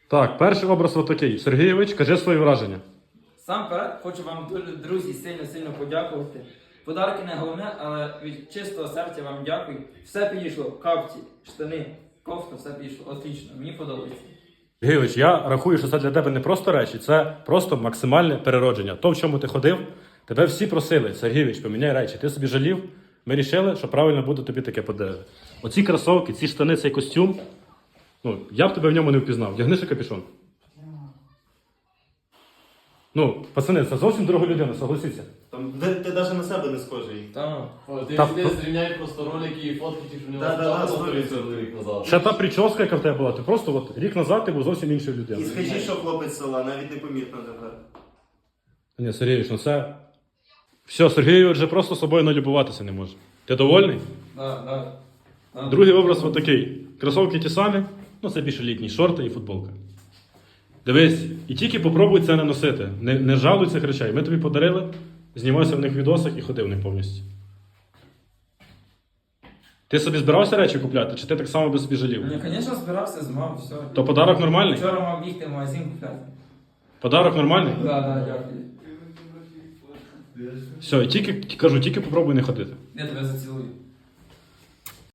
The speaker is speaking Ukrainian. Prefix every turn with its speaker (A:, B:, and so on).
A: Так, перший образ отакий. Сергійович, кажи свої враження.
B: Сам перед хочу вам дуже, друзі, сильно подякувати. Подарки не головне, але від чистого серця вам дякую. Все підійшло, капці, штани, кофта, все підійшло. Отлично, мені подобається.
A: Сергійович, я рахую, що це для тебе не просто речі, це просто максимальне переродження. То, в чому ти ходив, тебе всі просили. Сергійович, поміняй речі. Ти собі жалів, ми вирішили, що правильно буде тобі таке подарувати. Оці кросовки, ці штани, цей костюм, ну, я б тебе в ньому не впізнав. Вдягни ще капюшон. Ну, пацани, це зовсім друга людина, согласіться.
C: Там, ти навіть на себе не схожий.
D: Ти зрівняй просто ролики і фотки, ті, що в нього сталося рік назад.
A: Ще та прическа, яка в тебе була, ти просто от, рік назад ти був зовсім іншою
C: І
A: людиною.
C: скажи, що хлопець з села, навіть непомітно тепер.
A: Ні, Сергійович, ну це... Все, Сергійович вже просто собою налюбуватися не може. Ти довольний?
B: Да.
A: Другий образ от такий. Кросовки ті самі, ну це більше літні, шорти і футболка. Дивись, і тільки попробуй це не носити. Не жалуй цих речей. Ми тобі подарили, знімайся в них відосах і ходи в них повністю. Ти собі збирався речі купляти, чи ти так само би собі жалів?
B: Ні, звісно, збирався з мамою, все.
A: То подарок нормальний?
B: Вчора мав бігти в магазин купляти.
A: Подарок нормальний?
B: Да, дякую.
A: Все, і тільки, кажу, тільки попробуй не ходити.
B: Я тебе зацілую.